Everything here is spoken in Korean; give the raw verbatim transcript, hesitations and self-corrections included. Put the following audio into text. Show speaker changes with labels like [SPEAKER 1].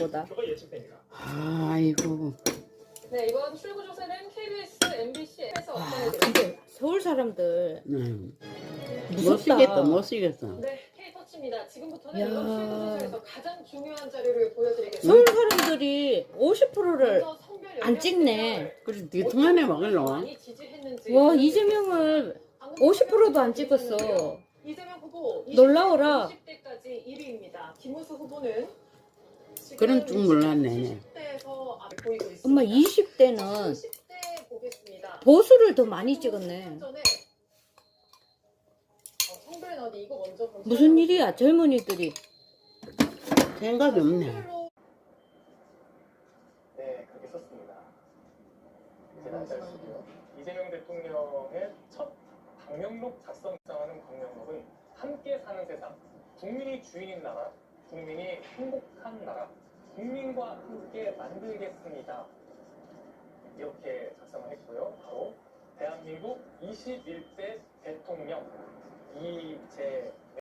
[SPEAKER 1] 보다.
[SPEAKER 2] 그거 예측됩니다.
[SPEAKER 3] 아이고.
[SPEAKER 4] 네, 이번 출구조사는 케이비에스, 엠비씨에서
[SPEAKER 1] 아,
[SPEAKER 4] 업로드됩니다.
[SPEAKER 1] 근데 서울 사람들
[SPEAKER 3] 음. 못
[SPEAKER 1] 무섭다.
[SPEAKER 3] 쓰겠다, 못 쓰겠어.
[SPEAKER 4] 네, K터치입니다. 지금부터는
[SPEAKER 1] 야.
[SPEAKER 4] 이번 출구조사에서 가장 중요한 자료를 보여드리겠습니다.
[SPEAKER 1] 서울 사람들이 오십 퍼센트를
[SPEAKER 4] 먼저 성별
[SPEAKER 1] 안
[SPEAKER 4] 연령
[SPEAKER 1] 찍네.
[SPEAKER 4] 대결.
[SPEAKER 3] 그래서 뒤통 안에 막을러.
[SPEAKER 4] 많이 지지했는지
[SPEAKER 1] 와, 이재명을
[SPEAKER 4] 방금
[SPEAKER 1] 오십 퍼센트도 안
[SPEAKER 4] 지지했는데요.
[SPEAKER 1] 찍었어.
[SPEAKER 4] 이재명 후보
[SPEAKER 1] 놀라워라.
[SPEAKER 4] 이십 대까지 일 위입니다. 김우수 후보는 지금
[SPEAKER 3] 그런 줄 몰랐네.
[SPEAKER 4] 이십 대에서 앞에 보이고 있습니다.
[SPEAKER 1] 엄마 이십 대는
[SPEAKER 4] 이십 대 보겠습니다.
[SPEAKER 1] 보수를 더 많이 찍었네.
[SPEAKER 4] 전에 어, 성별 어디 이거 먼저 검색해
[SPEAKER 1] 무슨 일이야, 젊은이들이.
[SPEAKER 3] 생각이 없네.
[SPEAKER 4] 성별로
[SPEAKER 2] 네, 그렇게 썼습니다. 이제 날짜시고요. 이재명 대통령의 첫 방명록 작성장하는 방명록은 함께 사는 세상, 국민이 주인인 나라, 국민이 행복한 나라, 국민과 함께 만들겠습니다. 이렇게 작성을 했고요. 바로 대한민국 이십일 대 대통령 이재명